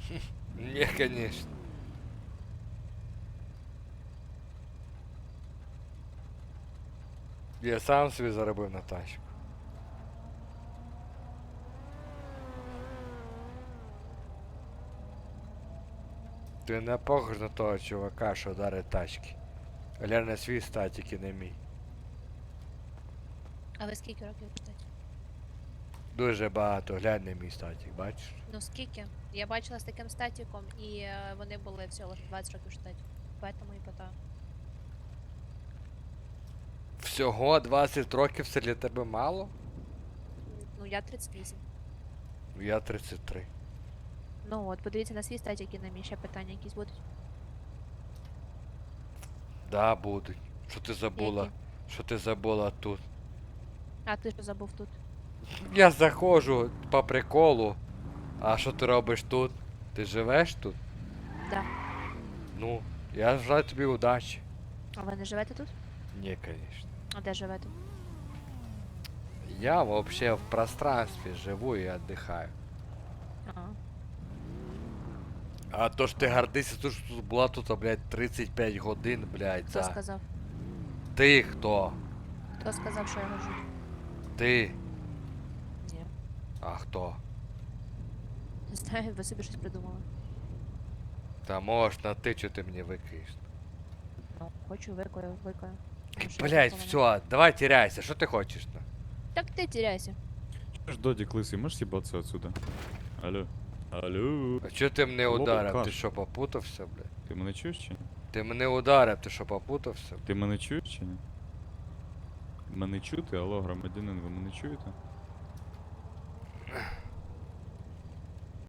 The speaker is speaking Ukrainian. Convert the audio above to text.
Не, конечно. Я сам собі заробив на тачку. Ти не похож на того чувака, що дарить тачки. Глянь на свій статік і не мій. А ви скільки років кстати? Дуже багато, глянь на мій статік, бачиш? Ну скільки? Я бачила з таким статіком, і вони були всього лише 20 років в штаті. Поэтому і питаю. Всього 20 років це для тебе мало? Ну я 38. Я 33. Ну от, подивіться на свій статік і на мій ще питання якісь будуть. Да, будуть. Що ти забула? Які? Що ти забула тут? А ти що забув тут? Я заходжу по приколу. А що ти робиш тут? Ти живеш тут? Да. Ну, я желаю тобі удачі. А ви не живете тут? Ні, конечно. А де живете? Я вообще в пространстве живу и отдыхаю. Ага. А то ж ти гордишся, то що тут була тут, блядь, 35 годин, блядь, Хто за... сказав? Ти хто? Хто сказав, що я гожу? Ти? Ні. А хто? Не знаю, ви собі щось придумали. Та можеш на ти, що ти мені викаєш. Ну, хочу, викою, викою. Блядь, все, давай теряйся, що ти хочеш? На? Так ти теряйся. Ж Додик лысый, можешь съебаться отсюда? Алло. Алло. А чого ти мене Алло, ударив? Каш. Ти що, попутався, блядь? Ти мене чуєш чи ні? Ти мене ударив, ти що, попутався? Ти мене чуєш чи ні? Мене чути? Алло, громадянин, ви мене чуєте?